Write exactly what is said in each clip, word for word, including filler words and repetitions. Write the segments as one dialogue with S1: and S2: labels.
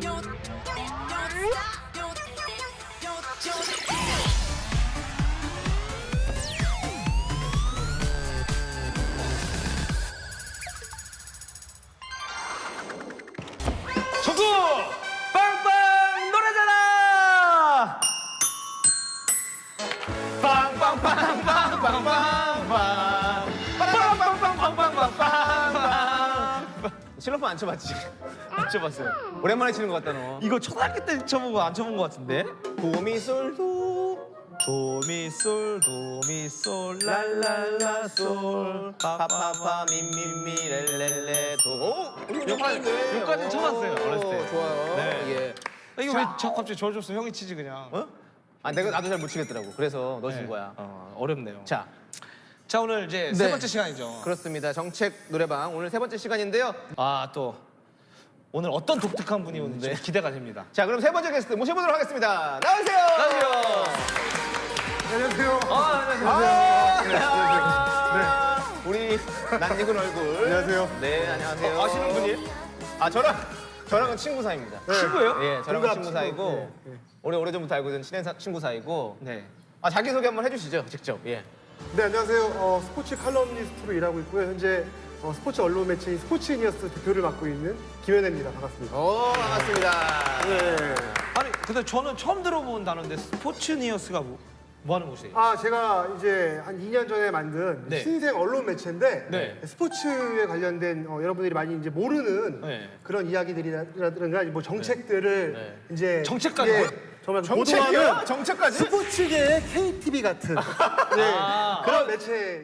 S1: 초구 빵빵 노래잖아. 빵빵빵빵빵빵빵빵 빵빵빵빵빵빵빵. 실로폰 안 쳐봤지? 안 쳐봤어요. 오랜만에 치는 것 같다 너.
S2: 이거 초등학교 때 쳐보고 안 쳐본 것 같은데?
S1: 도미솔도
S2: 도미솔 도미솔 랄랄라솔
S1: 파파파 미미미 렐렐레 도. 오,
S2: 여기까지 여기까지 쳐봤어요 어렸을 때.
S1: 좋아요.
S2: 네.
S1: 예.
S2: 이거 왜 저 갑자기 저 줬어? 형이 치지 그냥.
S1: 어? 아 내가 나도 잘 못 치겠더라고. 그래서 너 준
S2: 네.
S1: 거야.
S2: 어, 어렵네요.
S1: 자,
S2: 자 오늘 이제
S1: 네.
S2: 세 번째 시간이죠.
S1: 그렇습니다. 정책 노래방 오늘 세 번째 시간인데요.
S2: 아 또 오늘 어떤 독특한 분이 오는지
S1: 네.
S2: 기대가 됩니다.
S1: 자, 그럼 세 번째 게스트 모셔보도록 하겠습니다. 나오세요.
S2: 안녕하세요.
S3: 안녕하세요.
S1: 아, 안녕하세요. 아, 네. 우리 낯익은 얼굴.
S3: 안녕하세요.
S1: 네, 안녕하세요.
S2: 어, 아시는 분이에요?
S1: 아, 저랑 저랑은 친구 사이입니다.
S2: 친구예요?
S1: 예, 저랑은
S3: 동갑
S1: 친구
S3: 친구.
S1: 사이고
S3: 네, 네.
S1: 오래 오래전부터 알고 있는 친한 사- 친구 사이고.
S2: 네.
S1: 아, 자기 소개 한번 해주시죠, 직접. 예.
S3: 네, 안녕하세요. 어, 스포츠 칼럼니스트로 일하고 있고요. 현재 어, 스포츠 언론 매체인 스포츠니어스 대표를 맡고 있는 김현애입니다. 반갑습니다.
S1: 오, 반갑습니다.
S3: 네.
S2: 아니 근데 저는 처음 들어본 단어인데 스포츠니어스가 뭐, 뭐 하는 곳이에요?
S3: 아, 제가 이제 한 이 년 전에 만든
S2: 네.
S3: 신생 언론 매체인데
S2: 네.
S3: 스포츠에 관련된 어, 여러분들이 많이 이제 모르는
S2: 네.
S3: 그런 이야기들이라든가 뭐 정책들을
S2: 네.
S3: 이제
S2: 정책까지?
S3: 예, 정말
S1: 정책이요?
S3: 보도하는
S1: 정책까지?
S3: 스포츠계의 케이티비 같은 네,
S2: 아.
S3: 그런 매체.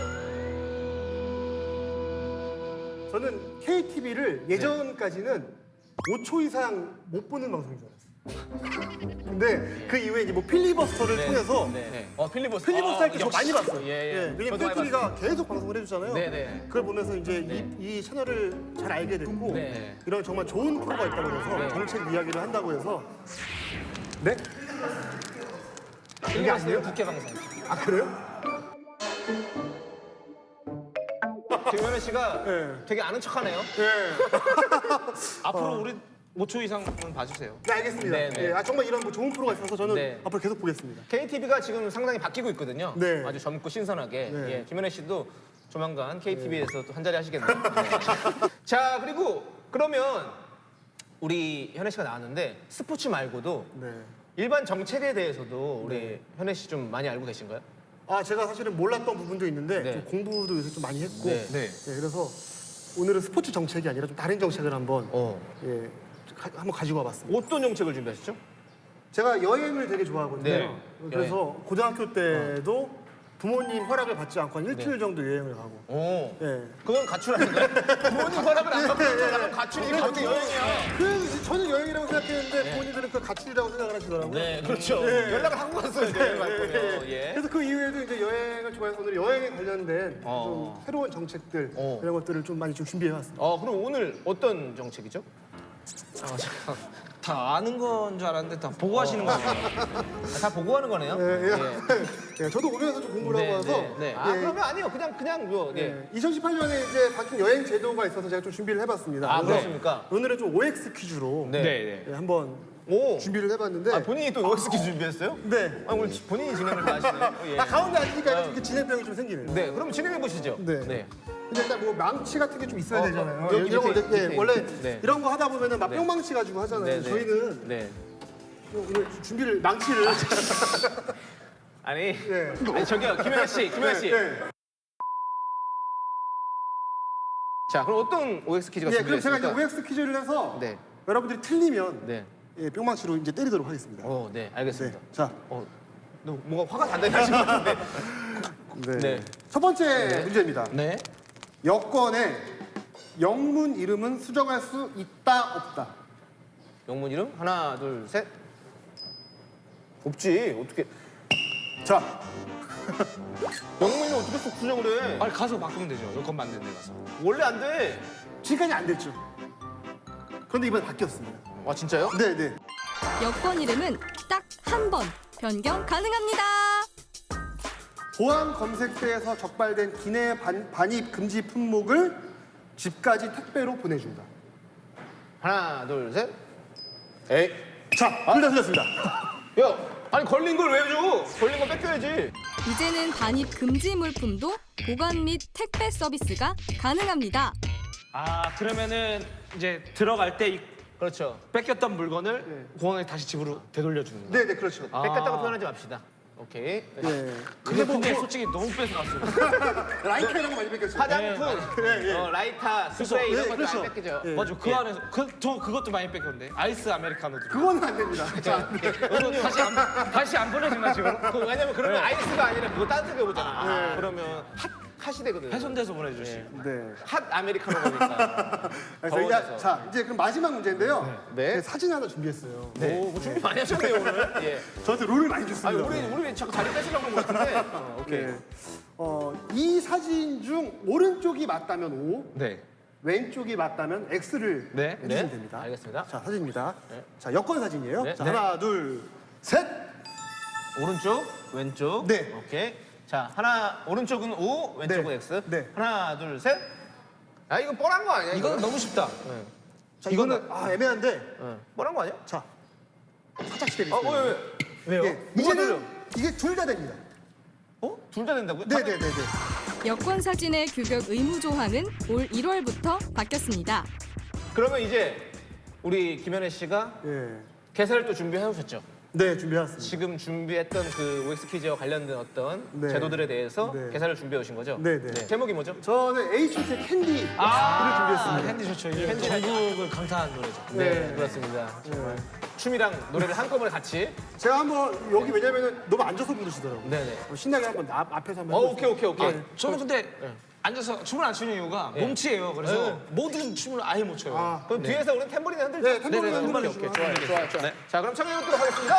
S3: 저는 케이티비를 예전까지는 오 초 이상 못 보는 방송인 줄 알았어요. 근데 그 이후에 이제 뭐 필리버스터를 통해서
S1: 네. 어, 필리버스터.
S3: 필리버스터 할 때 저
S1: 역시.
S3: 많이 봤어요.
S1: 예, 예.
S3: 왜냐면
S1: 저도 많이
S3: 케이티비가 계속 방송을 해주잖아요.
S1: 네, 네.
S3: 그걸 보면서 이제 이, 이 채널을 잘 알게 됐고
S1: 네.
S3: 이런 정말 좋은 프로가 있다고 해서
S1: 네.
S3: 정책 이야기를 한다고 해서 네?
S1: 필리버스터 국회 방송.
S3: 아 그래요?
S1: 김현애 씨가
S3: 네.
S1: 되게 아는 척하네요.
S3: 네.
S2: 앞으로 우리 오 초 이상은 봐주세요.
S3: 네 알겠습니다.
S1: 네, 네.
S3: 예, 아 정말 이런 뭐 좋은 프로가 있어서 저는
S1: 네.
S3: 앞으로 계속 보겠습니다.
S1: 케이티비가 지금 상당히 바뀌고 있거든요.
S3: 네.
S1: 아주 젊고 신선하게.
S3: 네.
S1: 예, 김현애 씨도 조만간 케이티비에서 또 한 자리 하시겠네요. 네. 자, 그리고 그러면 우리 현애 씨가 나왔는데 스포츠 말고도
S3: 네.
S1: 일반 정책에 대해서도 우리 현애 씨 좀 많이 알고 계신가요?
S3: 아 제가 사실은 몰랐던 부분도 있는데
S1: 네.
S3: 좀 공부도 요새 좀 많이 했고
S1: 네.
S2: 네.
S3: 예, 그래서 오늘은 스포츠 정책이 아니라 좀 다른 정책을 한번
S1: 어.
S3: 예, 가- 한번 가지고 와봤습니다.
S1: 어떤 정책을 준비하셨죠?
S3: 제가 여행을 되게 좋아하거든요.
S1: 네.
S3: 그래서 고등학교 때도 부모님 허락을 받지 않고 한 일주일
S1: 네.
S3: 정도 여행을 가고.
S1: 오.
S3: 예.
S1: 그건 가출 아닌가요? 부모님 허락을 안 받고 가면 가출이 어떻게 여행이야?
S3: 그 저는 여행이라고 생각했는데 부모님들은 그 가출이라고 생각을 하시더라고요.
S1: 네, 그렇죠.
S3: 네.
S1: 연락을 하고 갔어요, 여행 갈 거면. 예.
S3: 그래서 그 이후에도 이제 여행을 좋아해서 오늘 여행에 관련된
S1: 어.
S3: 좀 새로운 정책들
S1: 어.
S3: 이런 것들을 좀 많이 좀 준비해왔습니다.
S1: 어, 그럼 오늘 어떤 정책이죠?
S2: 아, 잠깐. 다 아는 건 줄 알았는데 다 보고 하시는 거예요.
S1: 아, 다 보고 하는 거네요.
S3: 예, 예. 예, 저도 오면서 좀 공부를
S1: 네,
S3: 하고 와서
S1: 네, 네. 아,
S3: 예,
S1: 그러면 아니요. 그냥 그냥 뭐 예.
S3: 예, 이천십팔 년에 이제 바뀐 여행 제도가 있어서 제가 좀 준비를 해봤습니다.
S1: 아,
S3: 그래서
S1: 그렇습니까?
S3: 오늘은 좀 오엑스 퀴즈로
S1: 네.
S2: 네.
S3: 예, 한번
S1: 오.
S3: 준비를 해봤는데
S1: 아, 본인이 또 오엑스 퀴즈 준비했어요?
S3: 네.
S1: 아, 오늘 본인이 진행을 다 하시네요. 예.
S3: 아, 가운데 앉으니까
S1: 어.
S3: 이렇게 진행병이 좀 생기네요.
S1: 네, 그럼 진행해 보시죠.
S3: 네. 근데 일단 뭐 망치 같은 게 좀 있어야
S1: 어,
S3: 되잖아요.
S1: 어, 여기
S3: 이런 거
S1: 밑에,
S3: 이제, 예,
S1: 밑에
S3: 원래
S1: 있는, 네.
S3: 이런 거 하다 보면은 막
S1: 네.
S3: 뿅망치 가지고 하잖아요.
S1: 네, 네.
S3: 저희는
S1: 네.
S3: 오늘 준비를 망치를
S1: 아니,
S3: 네.
S1: 아니 저기요, 김현아 씨, 김현아 씨.
S3: 네.
S1: 자, 그럼 어떤 오엑스 퀴즈가
S3: 예, 그럼 제가
S1: 준비됐습니까?
S3: 이제 오엑스 퀴즈를 해서
S1: 네.
S3: 여러분들이 틀리면
S1: 네.
S3: 예, 뿅망치로 이제 때리도록 하겠습니다.
S1: 어, 네, 알겠습니다.
S3: 네. 자,
S1: 어, 너 뭔가 화가 단단히 나신 것 같은데.
S3: 네.
S1: 네.
S3: 첫 번째 문제입니다.
S1: 네.
S3: 여권에 영문 이름은 수정할 수 있다 없다.
S1: 영문 이름 하나, 둘, 셋. 없지. 어떻게?
S3: 자,
S1: 영문이 어떻게 쏙 수정을 해?
S2: 아니 가서 바꾸면 되죠. 여권 만드는 데 가서.
S1: 원래 안 돼.
S3: 지금까지 안 됐죠. 그런데 이번에 바뀌었습니다.
S1: 아, 진짜요?
S3: 네, 네.
S4: 여권 이름은 딱 한 번 변경 가능합니다.
S3: 보안 검색대에서 적발된 기내 반, 반입 금지 품목을 집까지 택배로 보내준다.
S1: 하나, 둘, 셋. 에이.
S3: 자, 둘 다 틀렸습니다.
S1: 야, 아니 걸린 걸 왜 줘? 걸린 거 뺏겨야지.
S4: 이제는 반입 금지 물품도 보관 및 택배 서비스가 가능합니다.
S2: 아 그러면은 이제 들어갈 때 이
S1: 그렇죠.
S2: 뺏겼던 물건을
S3: 네.
S2: 공항에 다시 집으로 되돌려주는 거.
S3: 네, 네, 그렇죠.
S1: 뺏겼다고 표현하지 맙시다. 오케이.
S3: 네.
S2: 근데 근데 솔직히 너무 뺏어갔어요.
S3: 라이터 이런 거 많이 뺏겼죠.
S1: 화장품,
S3: 예, 예.
S1: 어, 라이터, 스프레이 이런
S3: 예,
S1: 것도
S3: 그렇죠.
S1: 안 뺏기죠.
S3: 예.
S2: 맞아 그 안에서 그, 저 그것도 많이 뺏겼는데 아이스 아메리카노도.
S3: 그거는 안 됩니다. 자,
S2: 그거 다시 안 다시 안 보내주나 지금?
S1: 그, 왜냐면 그러면 아이스가 아니라 그거 따뜻하게 오잖아. 그러면 핫, 핫이 되거든.
S2: 훼손돼서 보내주시.
S3: 네.
S1: 핫 아메리카노 거니까.
S3: 그래서 이제,
S1: 더워져서.
S3: 자, 이제 그럼 마지막 문제인데요.
S1: 네.
S3: 제가 사진 하나 준비했어요.
S1: 오, 뭐 준비 많이 하셨네요 오늘. 예.
S3: 저한테 롤을 많이
S1: 아니
S3: 줬습니다.
S1: 우리 우리 왜 자꾸 자리 뺏으려고 하는 것 같은데. 어, 오케이.
S3: 네. 어, 이 사진 중 오른쪽이 맞다면 O,
S2: 네.
S3: 왼쪽이 맞다면 X를
S2: 네.
S3: 해주시면
S1: 네.
S3: 됩니다.
S1: 알겠습니다.
S3: 자, 사진입니다.
S1: 네.
S3: 자, 여권 사진이에요.
S1: 네.
S3: 자,
S1: 네.
S3: 하나, 둘, 셋.
S1: 오른쪽, 왼쪽.
S3: 네.
S1: 오케이. 자 하나 오른쪽은 O, 왼쪽은
S3: 네.
S1: X.
S3: 네.
S1: 하나, 둘, 셋. 아 이거 뻔한 거 아니야?
S2: 이건 너무 쉽다.
S3: 자, 이거는 아, 애매한데.
S1: 응. 뻔한 거 아니야?
S3: 자, 살짝씩
S1: 어,
S3: 때리세요.
S1: 왜, 왜? 왜요?
S3: 예,
S1: 뭐가
S3: 이제는
S1: 들려?
S3: 이게 둘 다 됩니다.
S1: 어? 둘 다 된다고요?
S3: 네, 네, 네, 네.
S4: 여권 사진의 규격 의무 조항은 올 일월부터 바뀌었습니다.
S1: 그러면 이제 우리 김현애 씨가
S3: 예.
S1: 개사를 또 준비해 오셨죠?
S3: 네, 준비해왔습니다.
S1: 지금 준비했던 그 오엑스 퀴즈와 관련된 어떤
S3: 네.
S1: 제도들에 대해서
S3: 네.
S1: 개사를 준비해 오신 거죠?
S3: 네, 네.
S1: 제목이 뭐죠?
S3: 저는 에이치 오 티 캔디를
S2: 아,
S3: 준비했습니다.
S2: 핸디 좋죠. 이게 전국을 강타한 노래죠.
S1: 네, 그렇습니다. 정말 춤이랑 노래를 한꺼번에 같이.
S3: 제가 한번 여기 왜냐면은 너무 앉아서 부르시더라고요.
S1: 네네.
S3: 어, 신나게 한번 앞, 앞에서 한번
S1: 어,
S3: 해보세요.
S1: 오케이, 오케이, 오케이.
S2: 저는 근데 앉아서 춤을 안 추는 이유가 몸치예요. 그래서
S1: 네.
S2: 모든 춤을 아예 못 춰요.
S3: 아,
S1: 그럼 뒤에서 우리는 탬버린 흔들죠?
S3: 네, 탬버린
S1: 네네,
S3: 흔들어
S1: 오케이, 오케이.
S3: 주시면.
S1: 좋아요, 좋아요, 좋아요.
S2: 네.
S1: 자, 그럼 청해 보도록 하겠습니다.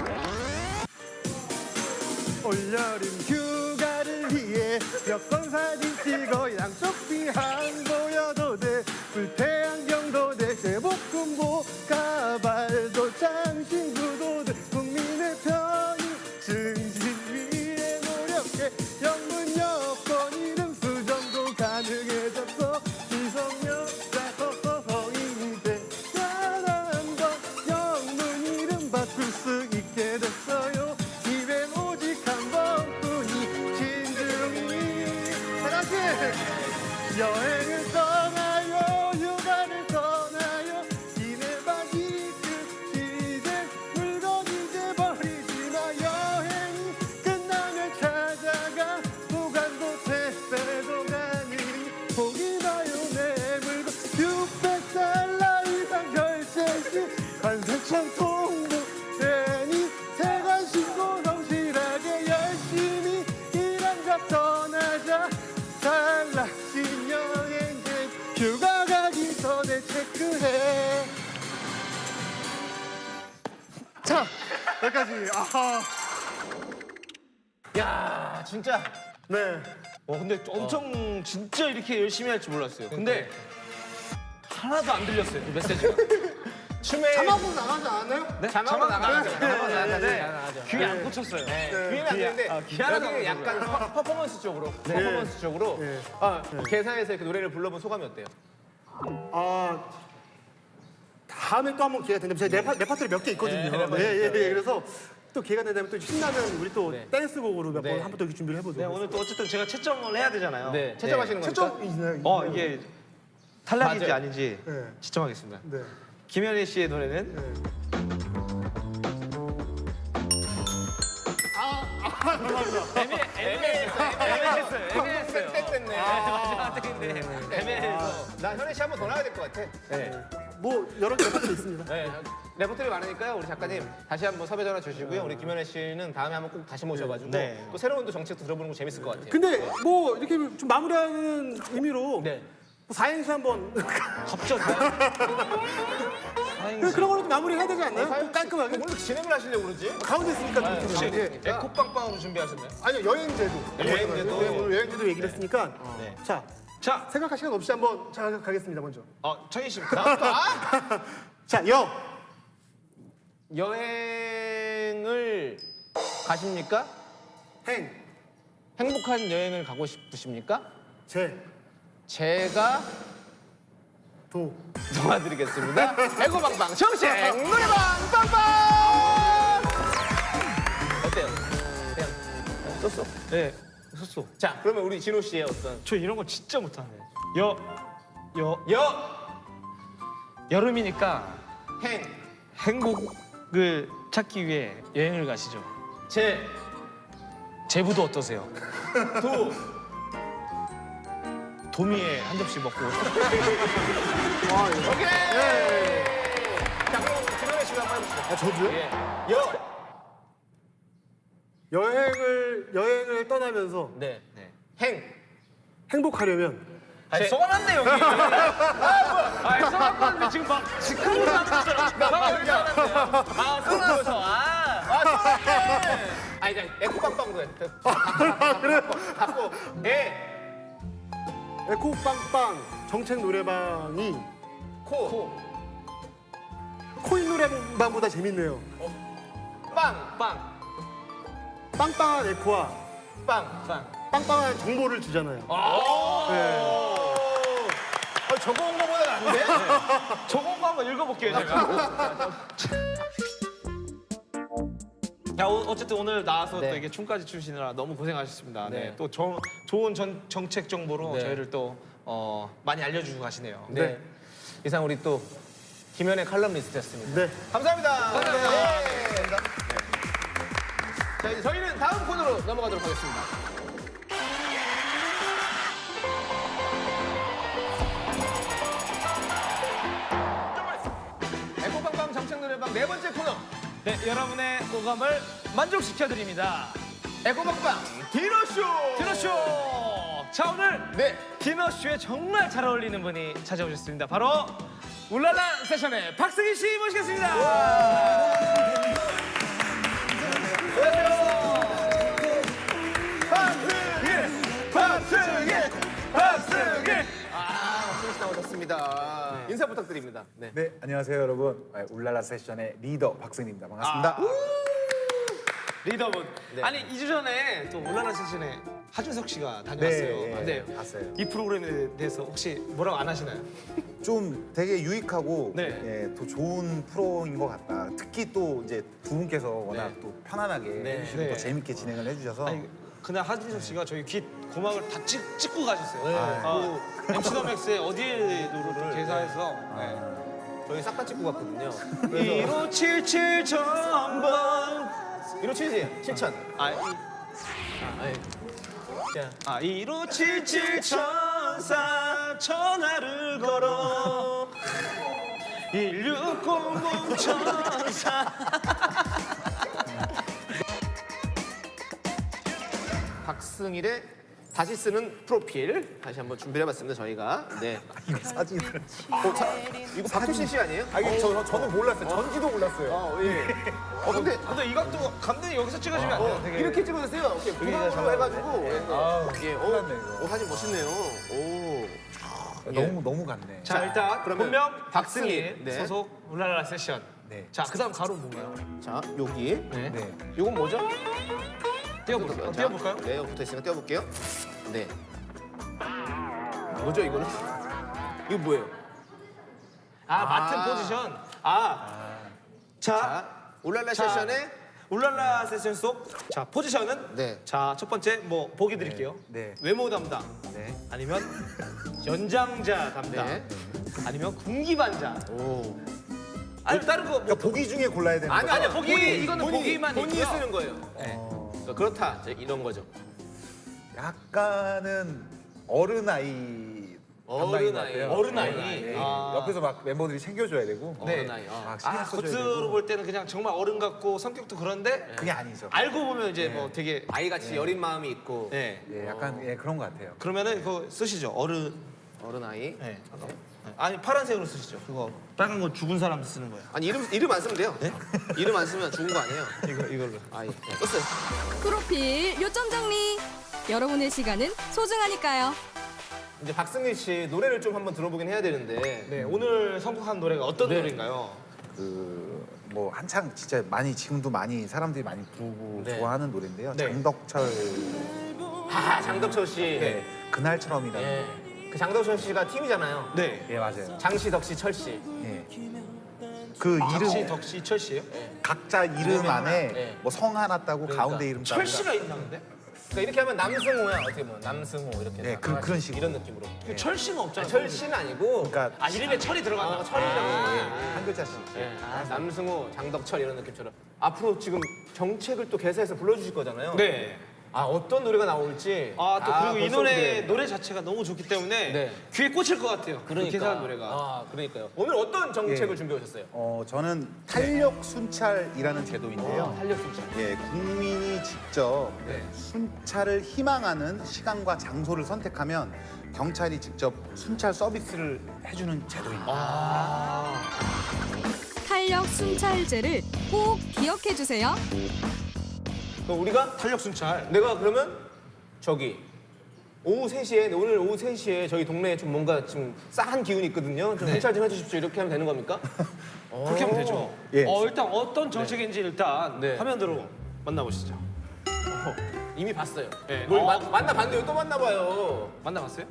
S3: 올여름 휴가를 위해 여권 사진 찍어 양쪽 비항 보여도 돼 불태안경도 돼 제복군보 가발도 장신구도 돼 국민의 편의 증진 위해 노력해 영문 여권 이름 수정도 가능해졌어 미성년자 허허허이 돼 단한 번 영문 이름 바꿀 수 있게 됐어요 입엔 오직 한 번뿐이 진중이 다 같이 여행을 떠나요 휴가를 떠나요 기내박이 끝이된 물건 이제 버리지 마 여행이 끝나면 찾아가 보관도 택배도 가능히 보기 봐요 내 물건 육백 달러 이상 결제 시 관세청 통보 되니 세관 신고 성실하게 열심히 일한 자 떠나자 달라진 여행객 휴가 가기 전에 체크해 자 여기까지 아하
S1: 야, 진짜.
S3: 네
S2: 어, 근데 엄청 진짜 이렇게 열심히 할 줄 몰랐어요. 근데 하나도 안 들렸어요. 그 메시지가.
S1: 춤에
S3: 자막으로 나가지 않아요?
S2: 네?
S1: 자막으로 나가죠.
S3: 네,
S1: 자막으로
S3: 네,
S1: 나가죠.
S3: 네.
S1: 나가죠.
S2: 귀에 안 꽂혔어요.
S1: 네.
S3: 네.
S1: 귀에는 안 되는데
S2: 아, 귀 하나도 안
S1: 여기는 약간 퍼, 퍼포먼스 쪽으로 퍼포먼스 쪽으로
S3: 네.
S1: 아, 개사에서 이렇게 노래를 불러본 소감이 어때요?
S3: 아 다음에 또 한번 기회가 된다면 제가 내, 파, 내 파트를 몇 개 있거든요.
S1: 네,
S3: 예,
S1: 네,
S3: 예, 예,
S1: 네.
S3: 그래서 또 기회가 된다면 또 신나는 우리 또
S1: 네.
S3: 댄스곡으로 몇 번
S1: 네.
S3: 한번 또 이렇게 준비를 해보죠.
S2: 네, 오늘 또 어쨌든 제가 채점을 해야 되잖아요.
S1: 네, 채점하시는 거니까.
S3: 채점 있나요?
S2: 어, 이게 탈락인지
S1: 맞아요.
S2: 아닌지
S3: 네.
S2: 채점하겠습니다.
S3: 네.
S2: 김현희 씨의 노래는
S3: 네.
S1: 애매했어요. 애매했어요. 애매했어요. 땡땡네.
S2: 마지막 땡인데 애매해서.
S1: 나 현애 씨 한 번 더 나와야 될 것 같아. 네.
S3: 뭐 여러 개 파트 있습니다.
S1: 네. 레퍼토리 많으니까요. 우리 작가님 다시 한번 섭외 전화 주시고요. 우리 김현애 씨는 다음에 한번 꼭 다시 모셔가지고
S2: 네.
S1: 또 새로운 또 정책도 들어보는 거 재밌을 것 같아요.
S3: 근데 뭐 이렇게 좀 마무리하는 의미로
S1: 네.
S3: 뭐 사행시 한번
S2: 갑자기
S3: 그런 거로 좀 마무리해야 되지 않나요? 좀 깔끔하게.
S1: 오늘 진행을 하시려고 그러지?
S3: 가운데 있으니까 좀
S1: 혹시
S3: 이렇게.
S1: 예.
S2: 에코빵빵으로 준비하셨나요?
S3: 아니요 여행제도.
S1: 여행제도.
S3: 네, 오늘 여행제도 얘기를 했으니까.
S2: 네.
S3: 자
S2: 자,
S3: 생각할 시간 없이 한번 자 가겠습니다 먼저.
S2: 어, 청희 씨.
S3: 자 여.
S1: 여행을 가십니까?
S3: 행.
S1: 행복한 여행을 가고 싶으십니까?
S3: 제.
S1: 제가
S3: 도.
S1: 도와드리겠습니다. 에고방방 정식 노래방 빵빵. 어때요? 그냥 썼어?
S2: 네, 썼어.
S1: 자, 그러면 우리 진호 씨의 어떤
S2: 저 이런 거 진짜 못하네. 여, 여,
S1: 여,
S2: 여름이니까
S1: 행,
S2: 행복을 찾기 위해 여행을 가시죠.
S1: 제,
S2: 제부도 어떠세요?
S1: 도.
S2: 도미에 한 접시 먹고
S1: 오케이. 자, 그럼 진호 씨가 한번 해보시죠.
S3: 아, 저도요?
S1: 예. 여.
S3: 여행을 여행을 떠나면서
S1: 네. 행.
S3: 행복하려면
S2: 아니, 쏘아놨네 여기. 아니, 쏘아놨는데 지금 막 직항으로 나왔잖아.
S1: 아, 쏘나서. 아, 아, 쏘나네. 아, 이제 에코빵빵으로 해. 그래요? 갖고, 에,
S3: 에코빵빵 정책 노래방이
S1: 코,
S3: 코인 노래방보다 재밌네요.
S1: 빵, 빵,
S3: 빵빵한 에코와
S1: 빵, 빵.
S3: 빵빵한 정보를 주잖아요.
S1: 아,
S3: 네.
S1: 아, 저거 온 거보다 나은데?
S2: 저거 거 한번 읽어볼게요 제가. 자, 오- 어쨌든 오늘 나와서
S1: 네.
S2: 또 이게 춤까지 추시느라 너무 고생하셨습니다. 네.
S1: 네.
S2: 또 저- 좋은 전, 정책 정보로
S1: 네.
S2: 저희를 또 어, 많이 알려주고 가시네요.
S1: 네. 이상 우리 또 김현의 칼럼니스트였습니다.
S3: 네.
S1: 감사합니다. 감사합니다. 네. 자, 이제 저희는 다음 코너로 넘어가도록 하겠습니다. 에코방방 정책 노래방 네 번째 코너.
S2: 네, 여러분의 오감을 만족시켜드립니다.
S1: 에코방방 디너쇼.
S2: 디너쇼! 자, 오늘
S1: 네.
S2: 디너쇼에 정말 잘 어울리는 분이 찾아오셨습니다. 바로 울랄라 세션의 박승희 씨 모시겠습니다.
S1: 박승희, 박승희, 박승희. 아, 박승희 씨 나오셨습니다. 인사 부탁드립니다. 네.
S5: 네, 안녕하세요 여러분. 네, 울랄라 세션의 리더 박승입니다. 반갑습니다.
S2: 리더분.
S1: 네.
S2: 아니, 이 주 전에 또 울랄라 세션에 하준석 씨가 다녀왔어요.
S5: 네, 예,
S2: 네.
S5: 봤어요.
S2: 이 프로그램에 대해서 혹시 뭐라고 안 하시나요?
S5: 좀 되게 유익하고
S2: 네.
S5: 예, 또 좋은 프로인 것 같다. 특히 또 이제 두 분께서 워낙
S1: 네.
S5: 또 편안하게
S1: 네.
S5: 해주시고
S2: 네.
S5: 또 재밌게 진행을 해주셔서
S2: 아니, 그날 하준석 씨가 저희 귀 고막을 다 찍, 찍고 가셨어요.
S1: 네.
S2: 어, 엠씨 더 맥스의 어디에도로 또 개사해서 네.
S1: 저희 싹 다 찍고 갔거든요.
S2: 일오칠칠 전번
S1: 일오칠이지? 칠천.
S2: 아, 이,
S1: 아, 예. 자,
S2: 아 일오칠칠 천사 전화를 걸어 일육공공 천사
S1: 박승일의 다시 쓰는 프로필 다시 한번 준비해봤습니다. 저희가. 네.
S5: 이거 사진을
S1: 어, 자, 이거 박효신 씨 아니에요?
S5: 아 이게 저, 저는 몰랐어요. 전지도 몰랐어요.
S1: 어, 예. 어, 근데
S2: 근데 이 각도 감독님 여기서 찍어주면 안 돼요?
S1: 어,
S2: 되게
S1: 이렇게 찍어주세요. 이렇게 부담으로 해가지고. 예.
S5: 아우,
S1: 예.
S5: 큰일 났네,
S1: 오,
S5: 이거.
S1: 오, 사진 멋있네요. 오.
S5: 너무 너무 같네.
S2: 자, 일단
S1: 그러면
S2: 본명
S1: 박승희,
S2: 박승희
S1: 네.
S2: 소속 울랄라 세션.
S5: 네.
S2: 자, 그다음 가로 뭔가요?
S1: 자, 여기.
S2: 네.
S5: 네.
S1: 이건 뭐죠?
S2: 띄워볼까요?
S1: 자,
S2: 띄워볼까요?
S1: 네, 여기 붙어 있으니까 띄워볼게요. 네. 뭐죠, 이거는? 이거 뭐예요?
S2: 아, 맡은
S1: 아.
S2: 포지션. 아, 자,
S1: 자, 울랄라
S2: 자.
S1: 세션의
S2: 울랄라 세션 속 자 포지션은
S1: 네.
S2: 자 첫 번째 뭐 보기 드릴게요.
S5: 네.
S2: 외모 담당
S5: 네.
S2: 아니면 연장자 담당
S1: 네.
S2: 아니면 군기반자.
S1: 오.
S2: 아니 다른 거 뭐,
S5: 그러니까 보기 중에 골라야 되는
S1: 아니,
S5: 거죠?
S1: 아니요.
S2: 보기,
S1: 보기,
S2: 이거는
S1: 본인,
S2: 보기만
S1: 본인이
S2: 있고요.
S1: 쓰는 거예요. 네. 그러니까 그렇다. 이제 이런 거죠.
S5: 약간은 어른 아이
S1: 어른 아이.
S2: 어른 아이.
S5: 예.
S2: 아.
S5: 옆에서 막 멤버들이 챙겨줘야 되고
S2: 네.
S1: 어른 아이. 어.
S5: 막 신경
S2: 아
S5: 써줘야
S2: 겉으로
S5: 되고
S2: 볼 때는 그냥 정말 어른 같고 성격도 그런데
S5: 그게 아니죠.
S2: 알고 보면 이제 뭐 되게
S1: 아이같이 여린 마음이 있고
S2: 네.
S5: 예, 약간 예, 그런 것 같아요.
S2: 그러면은 그거 쓰시죠 어른.
S1: 어른 아이.
S2: 네. 아니 파란색으로 쓰시죠. 그거 빨간 건 죽은 사람 쓰는 거예요.
S1: 아니 이름 이름 안 쓰면 돼요. 이름 안 쓰면 죽은 거 아니에요.
S2: 이거 이걸로.
S1: 아이. 네, 썼어요.
S4: 프로필 요점 정리. 여러분의 시간은 소중하니까요.
S1: 이제 박승일 씨 노래를 좀 한번 들어보긴 해야 되는데.
S2: 네 오늘 선곡한 노래가 어떤
S1: 네.
S2: 노래인가요?
S5: 그 뭐 한창 진짜 많이 지금도 많이 사람들이 많이 부르고
S1: 네.
S5: 좋아하는 노래인데요.
S2: 네.
S5: 장덕철
S1: 아 장덕철 씨.
S5: 네. 그날처럼이라는
S1: 네.
S5: 노래.
S1: 그 장덕철 씨가 팀이잖아요.
S2: 네.
S5: 예, 맞아요.
S1: 장씨, 덕씨, 철씨.
S5: 예. 그
S2: 덕씨,
S5: 이름
S2: 덕씨, 철씨예요?
S5: 각자 이름 안에
S1: 네.
S5: 뭐 성 하나 따고
S1: 그러니까.
S5: 가운데 이름 따고.
S2: 철씨가 있나 근데?
S1: 그러니까 이렇게 하면 남승호야. 어떻게 보면 남승호 이렇게.
S5: 네,
S1: 해서
S5: 그-
S1: 다
S5: 그런
S1: 같이
S5: 식으로.
S1: 이런 느낌으로.
S2: 철씨는 없잖아.
S1: 철씨는 아니고.
S5: 그러니까
S2: 아 이름에 철이 들어간다.
S1: 어, 철이랑.
S5: 한 글자씩.
S1: 예, 남승호, 장덕철 이런 느낌처럼 앞으로 지금 정책을 또 개사해서 불러주실 거잖아요.
S2: 네.
S1: 아 어떤 노래가 나올지.
S2: 아 또 그리고 이
S1: 벌써
S2: 노래
S1: 기대해.
S2: 노래 자체가 너무 좋기 때문에
S1: 네.
S2: 귀에 꽂힐 것 같아요.
S1: 그러니까.
S2: 계산 노래가.
S1: 아 그러니까요. 오늘 어떤 정책을
S5: 예.
S1: 준비해 오셨어요?
S5: 어, 저는 탄력 순찰이라는 제도인데요.
S1: 탄력 순찰.
S5: 예, 국민이 직접
S1: 네.
S5: 순찰을 희망하는 시간과 장소를 선택하면 경찰이 직접 순찰 서비스를 해주는 제도입니다.
S4: 탄력 순찰제를 꼭 기억해 주세요.
S1: 그럼 우리가
S2: 탄력 순찰.
S1: 내가 그러면 저기 오후 세 시에 오늘 오후 세 시에 저희 동네에 좀 뭔가 좀 싸한 기운이 있거든요. 좀 순찰 좀 해주십시오. 이렇게 하면 되는 겁니까?
S2: 그렇게 하면 되죠.
S5: 예.
S2: 어 일단 어떤 정책인지 일단
S1: 네.
S2: 화면으로 만나보시죠.
S1: 이미 봤어요.
S2: 네.
S1: 뭘
S2: 어.
S1: 마- 만나봤는데 왜 또 만나봐요.
S2: 만나봤어요?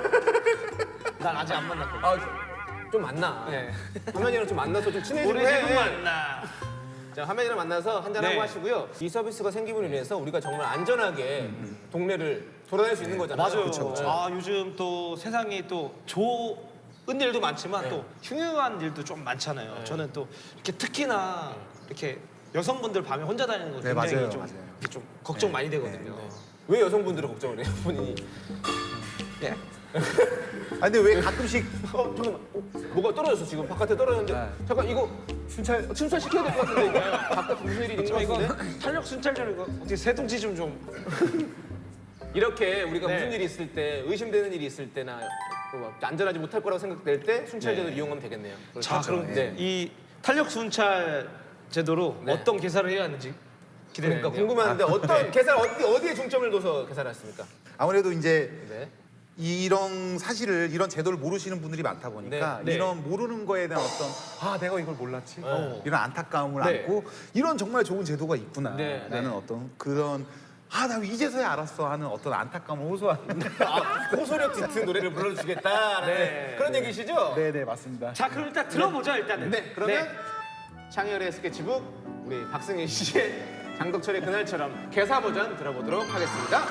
S2: 난 아직 안 만났거든.
S1: 아, 좀- 좀 만나.
S2: 네.
S1: 화면이랑 좀 만나서 좀 친해지고
S2: 우리
S1: 해.
S2: 지금 만나.
S1: 자, 화면이랑 만나서 한잔하고
S2: 네.
S1: 하시고요. 이 서비스가 생김으로 인해서 우리가 정말 안전하게 동네를 돌아다닐 수 있는 거잖아요.
S2: 맞아요.
S5: 그쵸, 그쵸.
S2: 아 요즘 또 세상이 또 좋은 일도 많지만 또 흉흉한 일도 좀 많잖아요. 저는 또 이렇게 특히나 이렇게 여성분들 밤에 혼자 다니는 거
S5: 네,
S2: 굉장히
S5: 맞아요,
S2: 좀,
S5: 맞아요.
S2: 이렇게 좀 걱정 많이 되거든요.
S1: 왜 여성분들을 걱정을 해요, 본인이?
S2: 네.
S5: 아, 근데 왜 가끔씩
S1: 어, 잠깐만. 어, 뭐가 떨어졌어, 지금. 바깥에 떨어졌는데.
S5: 네.
S1: 잠깐, 이거 순찰, 순찰 시켜야 될 것 같은데, 이거. 바깥에 무슨 일이 있는 것
S2: 저 이거
S1: 같은데?
S2: 탄력 순찰전 이거 어떻게 새둥지 좀 좀.
S1: 이렇게 우리가
S2: 네.
S1: 무슨 일이 있을 때, 의심되는 일이 있을 때나 뭐 안전하지 못할 거라고 생각될 때 순찰제를
S2: 네.
S1: 이용하면 되겠네요.
S2: 자 그럼
S1: 네.
S2: 이 탄력 순찰 제도로
S1: 네.
S2: 어떤 개사를 해야 하는지 기대되는데요.
S1: 그러니까 궁금한데 어떤 계산 어디 어디에 중점을 둬서 계산을 했습니까?
S5: 아무래도 이제
S1: 네.
S5: 이런 사실을 이런 제도를 모르시는 분들이 많다 보니까
S1: 네, 네.
S5: 이런 모르는 거에 대한 어떤 아 내가 이걸 몰랐지
S1: 어.
S5: 이런 안타까움을
S1: 네.
S5: 안고 이런 정말 좋은 제도가 있구나
S1: 네,
S5: 라는
S1: 네.
S5: 어떤 그런 아 나 이제서야 알았어 하는 어떤 안타까움을 호소하는
S1: 아, 호소력 짙은 노래를 불러주시겠다라는
S2: 네.
S1: 그런 얘기시죠?
S5: 네네 맞습니다.
S2: 자 그럼 일단 들어보죠 일단은.
S1: 네, 그러면 창열의 스케치북 우리 박승희 씨의 장덕철의 그날처럼 개사 버전 들어보도록 하겠습니다.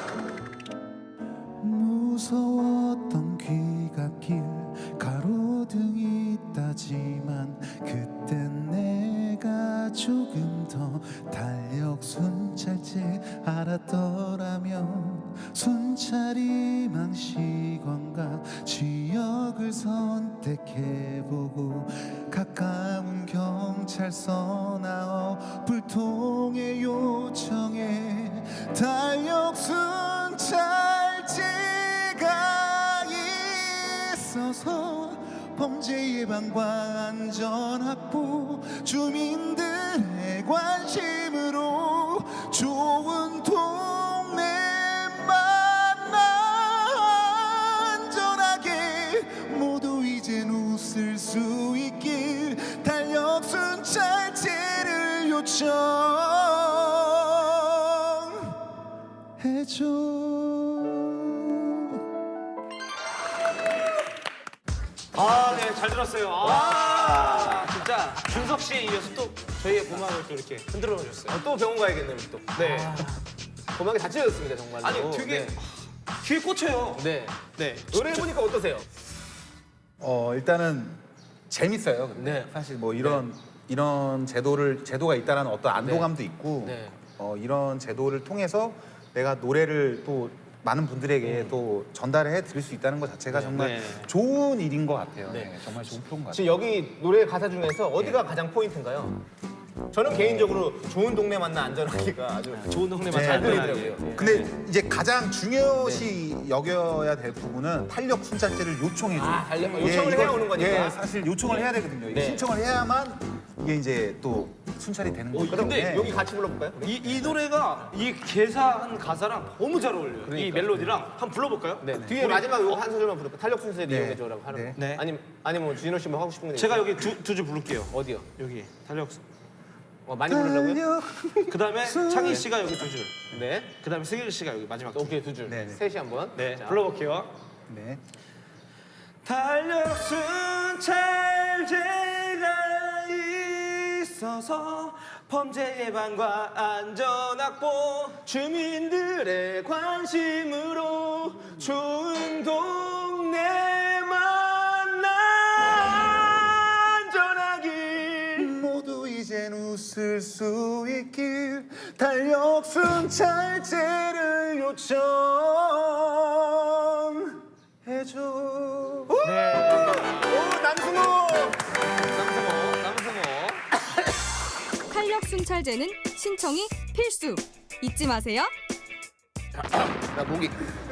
S5: 무서웠던 귀갓길 가로등이 있다지만 그땐 내가 조금 더 달력 순찰제 알았더라면 순찰이 망시관과 지역을 선택해보고 가까운 경찰서나 불통의 요청에 달력 순찰제가 있어서 범죄 예방과 안전 확보 주민들의 관심으로 좋은 동네만 안전하게 모두 이젠 웃을 수 있길 달력 순찰제를 요청해줘.
S2: 아, 네, 잘 들었어요. 아, 진짜 준석 씨에 이어서 또 저희의 고막을 또 이렇게 흔들어 주셨어요.
S1: 어, 또 병원 가야겠네요, 우리 또.
S2: 네.
S1: 고막이 다 찢어졌습니다, 정말로.
S2: 아니, 되게
S1: 네.
S2: 귀에 꽂혀요.
S1: 네.
S2: 네.
S1: 노래 해보니까 어떠세요?
S5: 어 일단은 재밌어요. 근데
S1: 네.
S5: 사실 뭐 이런 이런 제도를 제도가 있다라는 어떤 안도감도 있고
S1: 네.
S5: 어, 이런 제도를 통해서 내가 노래를 또 많은 분들에게 또 전달해 드릴 수 있다는 것 자체가 정말
S2: 네.
S5: 좋은 일인 것 같아요.
S1: 네.
S5: 네, 정말 좋은 프로인 것 같아요.
S1: 지금 여기 노래 가사 중에서 어디가 가장 포인트인가요? 저는 개인적으로 좋은 동네 만나 안전하기가 아주
S2: 좋은 동네만
S5: 네,
S2: 잘
S1: 네,
S2: 들리더라고요.
S1: 네.
S5: 근데 이제 가장 중요시 여겨야 될 부분은 탄력 순찰제를 요청해 줘요.
S1: 아, 달력- 요청을
S5: 이거-
S1: 해야 오는 거니까.
S5: 예, 사실 요청을 해야 되거든요. 이게
S1: 네.
S5: 신청을 해야만 이게 이제 또 순찰이 되는 거기
S1: 근데
S5: 때문에
S1: 여기 같이 불러볼까요? 우리?
S2: 이, 이 노래가 이 개사한 가사랑 너무 잘 어울려요. 이
S1: 그러니까요.
S2: 멜로디랑 한번 불러볼까요?
S1: 네. 뒤에 마지막 요거 한 소절만 부를까? 탄력 순서에
S5: 네.
S1: 이용해줘라고 하는
S5: 네.
S1: 거.
S2: 네.
S1: 아니, 아니 뭐 진호 씨 뭐 하고 싶은 거
S2: 제가
S1: 있어요?
S2: 여기 두 두 줄 부를게요.
S1: 어디요?
S2: 여기 달력.
S1: 어, 많이 부르려고요?
S2: 그 다음에 창희 씨가 여기 두 줄.
S1: 네.
S2: 그 다음에 승일 씨가 여기 마지막 두 줄.
S1: 오케이, 두 줄.
S5: 네, 네.
S1: 셋이 한 번.
S2: 네,
S1: 자.
S2: 불러볼게요.
S5: 네.
S2: 달력순 찰제가 있어서 범죄 예방과 안전 확보
S1: 주민들의 관심으로 좋은 동네만 안전하길.
S5: 모두 이젠 웃을 수 있길 달력순 찰제를 요청해줘.
S1: 오, 남승호.
S2: 남성호 남성호
S4: 탄력 순찰제는 신청이 필수. 잊지 마세요.
S1: 나 목이.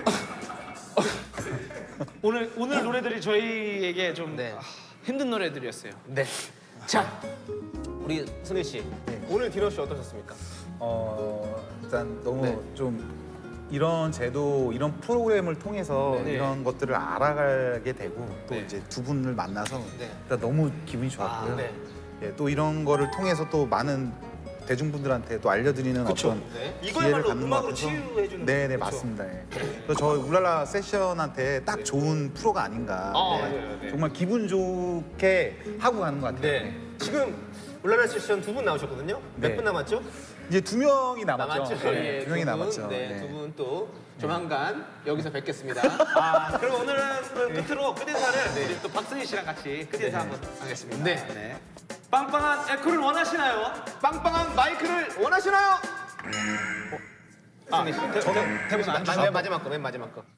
S2: 오늘 오늘 노래들이 저희에게 좀
S1: 네.
S2: 아, 힘든 노래들이었어요.
S1: 네. 자, 우리 승일 씨.
S5: 네.
S1: 오늘 디너쇼 어떠셨습니까?
S5: 어 일단 너무
S1: 네.
S5: 좀 이런 제도 이런 프로그램을 통해서
S1: 네.
S5: 이런 것들을 알아가게 되고 또
S1: 네.
S5: 이제 두 분을 만나서
S1: 네.
S5: 일단 너무 기분이 좋았고요.
S1: 아, 네.
S5: 예, 또 이런 거를 통해서 또 많은 대중분들한테 또 알려드리는
S2: 그쵸.
S5: 어떤
S1: 네.
S5: 기회를
S2: 이거야말로
S5: 갖는 것
S2: 음악으로
S5: 같아서
S2: 치유해주는
S5: 네네
S2: 거죠.
S5: 맞습니다. 예. 그래서 저 울랄라 세션한테 딱 좋은 프로가 아닌가.
S1: 아,
S5: 네.
S1: 맞아요. 네.
S5: 정말 기분 좋게 하고 가는 것 같아요.
S1: 네. 지금 울랄라 세션 두 분 나오셨거든요. 몇
S5: 네.
S1: 분 남았죠?
S5: 이제 두 명이 남았죠.
S1: 남았죠.
S5: 네,
S1: 예,
S5: 두 명이
S1: 분,
S5: 남았죠.
S1: 네,
S5: 네.
S1: 두 분 또 조만간 여기서 뵙겠습니다.
S2: 아, 그럼 오늘은 그 끝으로 끝인사를 우리 또 박승희 씨랑 같이 끝인사 한번 하겠습니다.
S1: 네.
S2: 빵빵한 에코를 원하시나요?
S1: 빵빵한 마이크를 원하시나요?
S2: 아, 대, 대, 대본 안
S1: 마,
S2: 주죠?
S1: 맨 마지막 거, 맨 마지막 거.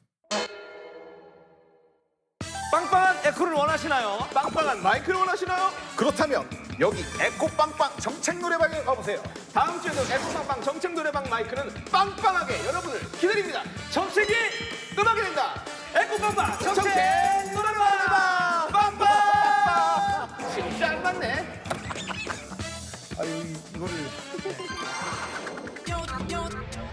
S2: 빵빵한 에코를 원하시나요?
S1: 빵빵한 마이크를 원하시나요?
S5: 그렇다면 여기 에코빵빵 정책 노래방에 가보세요.
S1: 다음 주에도 에코빵빵 정책 노래방 마이크는 빵빵하게 여러분을 기다립니다.
S2: 정책이
S1: 음악이 된다.
S2: 에코빵빵 정책
S1: 정책 노래방 빵빵. 진짜 안 맞네.
S5: 아유 이거를
S6: Yo, yo,